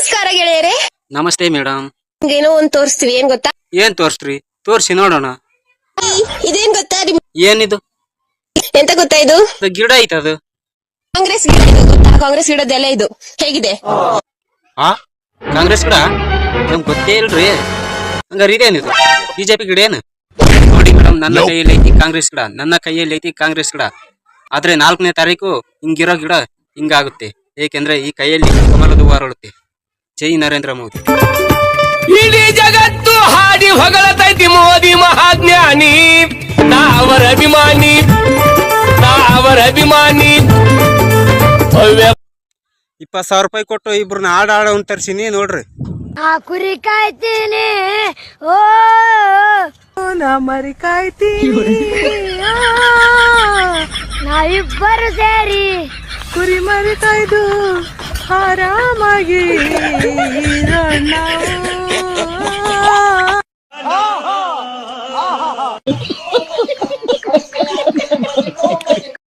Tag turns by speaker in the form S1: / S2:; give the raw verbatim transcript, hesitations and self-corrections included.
S1: ನಮಸ್ಕಾರ ಗೆಳೆಯರೇ.
S2: ನಮಸ್ತೆ ಮೇಡಮ್.
S1: ಏನೋ ಒಂದ್ ತೋರಿಸ್ತೀವಿ, ಏನ್ ಗೊತ್ತಾ?
S2: ಏನ್ ತೋರ್ಸ್ರಿ? ತೋರ್ಸಿ ನೋಡೋಣ.
S1: ಇದೇನ್ ಗೊತ್ತಾ?
S2: ಏನಿದು?
S1: ಎಂತ ಗೊತ್ತಾ ಇದು?
S2: ಇದು ಗಿಡ ಐತದು.
S1: ಕಾಂಗ್ರೆಸ್ ಗಿಡ ಇದು ಗೊತ್ತಾ? ಕಾಂಗ್ರೆಸ್ ಗಿಡದೆಲೆ ಇದು. ಹೇಗಿದೆ?
S2: ಆ ಕಾಂಗ್ರೆಸ್ ಗಿಡ ನಮ್ಗೆ ಗೊತ್ತೇ ಇಲ್ರಿ. ಹಂಗಾರ ಇದೇನಿದು? ಬಿಜೆಪಿ ಗಿಡ ಏನು? ನೋಡಿ ಮೇಡಮ್, ನನ್ನ ಕೈಯಲ್ಲಿ ಐತಿ ಕಾಂಗ್ರೆಸ್ ಗಿಡ, ನನ್ನ ಕೈಯಲ್ಲಿ ಐತಿ ಕಾಂಗ್ರೆಸ್ ಗಿಡ. ಆದ್ರೆ ನಾಲ್ಕನೇ ತಾರೀಕು ಹಿಂಗಿರೋ ಗಿಡ ಹಿಂಗಾಗುತ್ತೆ. ಏಕೆಂದ್ರೆ ಈ ಕೈಯಲ್ಲಿ ಕಮಲದ ಹೂವು ಅರಳುತ್ತೆ. ಜೈ ನರೇಂದ್ರ ಮೋದಿ.
S3: ಇಡೀ ಜಗತ್ತು ಹಾಡಿ ಹೊಗಳತೈತಿ ಮೋದಿ ಮಹಾಜ್ಞಾನಿ. ನಾ ಅವರ ಅಭಿಮಾನಿ, ನಾ ಅವರ ಅಭಿಮಾನಿ.
S2: ಇಪ್ಪತ್ ಸಾವಿರ ರೂಪಾಯಿ ಕೊಟ್ಟು ಇಬ್ರನ್ನ ಆಡ ಆಡ ಅಂತ ತರ್ಸಿನಿ ನೋಡ್ರಿ.
S4: ಆ ಕುರಿ ಕಾಯ್ತೀನಿ, ಓ ನಾ ಮರಿ ಕಾಯ್ತೀನಿ, ನಾ ಇಬ್ಬರು ಸೇರಿ ಕುರಿ ಮರಿ ಕಾಯ್ದು ಆರಾಮಾಗಿ